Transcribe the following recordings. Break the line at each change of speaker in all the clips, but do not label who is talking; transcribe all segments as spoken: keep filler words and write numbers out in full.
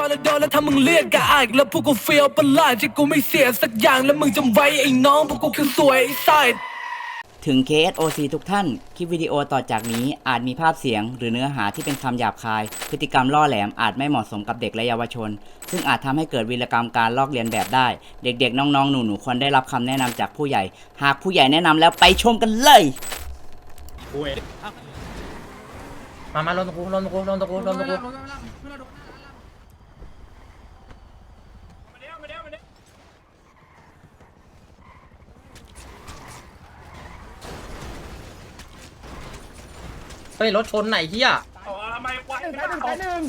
นแล้วโดนแล้วถ้ามึงเรียกกะอายแล้วพวกกูเฟียวประหลาดที่กูไม่เสียสักอย่างแล้วมึงจำไว้ไอ้น้องพวกกูคือสวยไอ้ไซด์
ถึง เค เอส โอ ซี ทุกท่าน คลิปวิดีโอต่อจากนี้อาจมีภาพเสียงหรือเนื้อหาที่เป็นคำหยาบคาย พฤติกรรมล่อแหลมอาจไม่เหมาะสมกับเด็กและเยาวชน ซึ่งอาจทำให้เกิดวีรกรรมการลอกเลียนแบบได้ เด็กๆ น้องๆ หนูๆ ควรได้รับคำแนะนำจากผู้ใหญ่ หากผู้ใหญ่แนะนำแล้วไปชมกันเลย
มามาลงตะกูลงตะกูลงตะกูลงตะกูเฮ้ยรถชนไหนเฮียทำไมควายหนึ่งไปหนึ่ง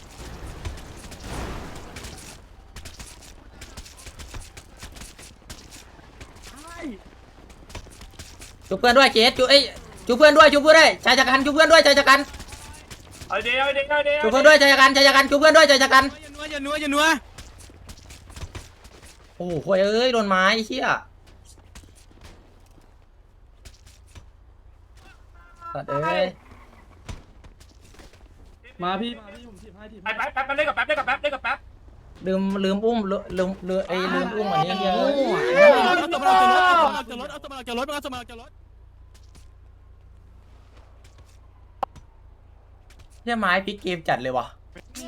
จูเพื่อนด้วยเจสจูเอ้ยจูเพื่อนด้วยจูเพื่อนด้วยชายจักรันจูเพื่อนด้วยชายจักรันเอาเดียวเอาเดียวเอาเดียวจูเพื่อนด้วยชายจักรันชายจักรันจูเพื่อนด้วยชายจักรันอย่านัวอย่านัวอย่านัวโอ้โหเอ้ยโดนไม้เฮียสัตว์เอ้ย
มาพี่มาพี่ผมถีบให้ถีบ
แป๊บแป๊บแป๊บเล่นกับแป๊บเล่นกับแป๊บเล่นกับแป๊บ
ลืมลืมอุ้มลืมลืมลืมไอ้ลืมอุ้มอันนี้เยอะ
เอาตัวมาจากรถเอาตัวมาจากรถเอาตัวมาจากรถ
เนี่ยไม้พลิกเกมจัดเลยวะ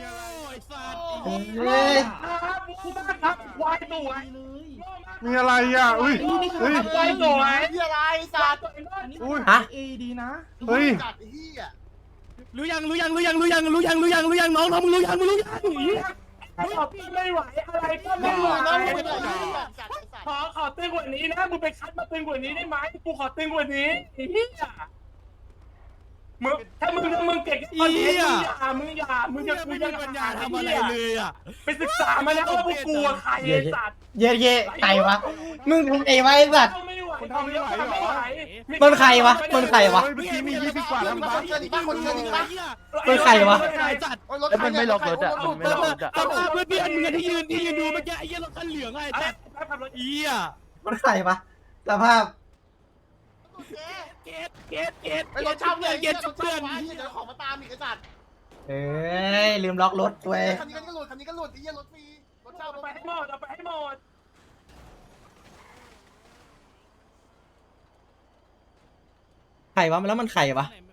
เฮ้ย
ครับควายสวย
มีอะไรอ่ะอุ้ยเฮ้ย
ควายสวย
ที่อะไรสัตว์
อุ้ย
ฮะ
เอดีนะ
เฮ้ย
จัดไอ้เหี้ย
รู้ยังรู้ยังรู้ยังรู้ยังรู้ยังรู้ยังรู้ยังน้องน้องมึงรู้ยังมึงรู้ยัง
ขอพี่ไม่ไหวอะไรก็ไม่ไหว
น้องมึงจัดจัดจัดจัด
ขอขอตึงกว่านี้นะมึงไปคัดมาตึงกว่านี้ได้ไหมกูขอตึงกว่านี้ไอ้เหี้ยมึงถ้ามึงถ้ามึงเก่งตอนนี้มึงอย่ามึงอย่ามึงจะมึงจะ
ปัญญาทำอะไรเลยอ่ะ
ไปศึกษามาแล้วว่าพวกกูใครไอ้สัตว์
เย่เย่ใครวะมึงใครวะไอ้สัตว์
ไม่ไหวทำไม่ไหวไม่ไหว
มันใครวะมันใครวะ
เฮ้ยเมื่อกี้มียี่สิบกว่าแล้ว
มี
มั้ง
คนเชิญอีกปะคนเชิญอีกปะ
มันใครวะ
จัด
โอ้ยรถคันเนี่ยรถรถรถ
เพื่อนเพื่อนเพื่อนมึงที่ยืนที่ยืนดูเมื่อกี้ไอ้เหี้ยรถคันเหลืองไอ้จัดเหี้ย
มันใครวะสภาพ
เกตเกตเกต
ไปรถเช่าเลย
เกตเพื่อน
เดี๋ยวของมาตามอีกไอ้สัตว์
เอ้ยลืมล็อกรถเว้ย
คันนี้ก็หลุดคันนี้ก็หลุดไอ้เหี้ยรถฟรีรถเช่ารถ
เอาไปให้หมดเอาไปให้หมด
ใครวะแล้วมันใครวะ
ไหน